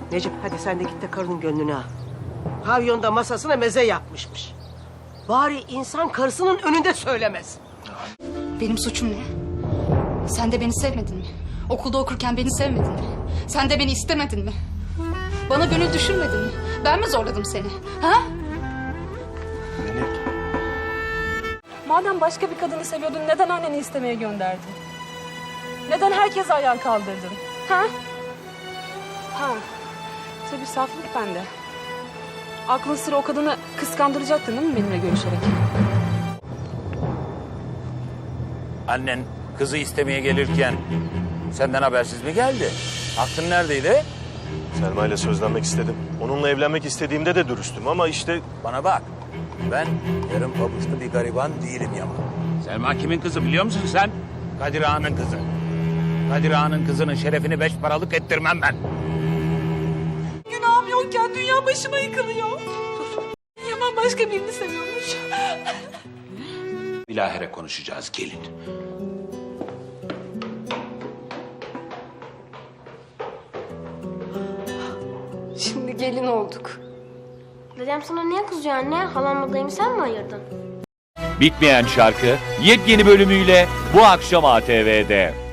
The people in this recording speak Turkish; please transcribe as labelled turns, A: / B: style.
A: Necip hadi sen de git de karının gönlünü al. Pavyonda masasına meze yapmışmış. Bari insan karısının önünde söylemez.
B: Benim suçum ne? Sen de beni sevmedin mi? Okulda okurken beni sevmedin mi? Sen de beni istemedin mi? Bana gönül düşürmedin mi? Ben mi zorladım seni? Ha?
C: Madem başka bir kadını seviyordun neden anneni istemeye gönderdin? Neden herkese ayağa kaldırdın? Ha? Ha. Tabii saflık bende. Aklın sıra o kadını kıskandıracaktın değil mi benimle görüşerek?
D: Annen kızı istemeye gelirken senden habersiz mi geldi? Aklın neredeydi?
E: Selma ile sözlenmek istedim. Onunla evlenmek istediğimde de dürüstüm ama işte...
D: Bana bak. Ben yarım pabuçlu bir gariban değilim Yaman. Selma kimin kızı biliyor musun sen? Kadir Ağa'nın kızı. Kadir Ağa'nın kızının şerefini 5 paralık ettirmem ben.
C: Günahım yokken dünya başıma yıkılıyor. Yaman başka birini seviyormuş.
D: Bilahare konuşacağız gelin.
C: Şimdi gelin olduk.
F: Dedem sana niye kızıyor anne? Halamla dayımı sen mi ayırdın?
G: Bitmeyen şarkı yepyeni bölümüyle bu akşam ATV'de.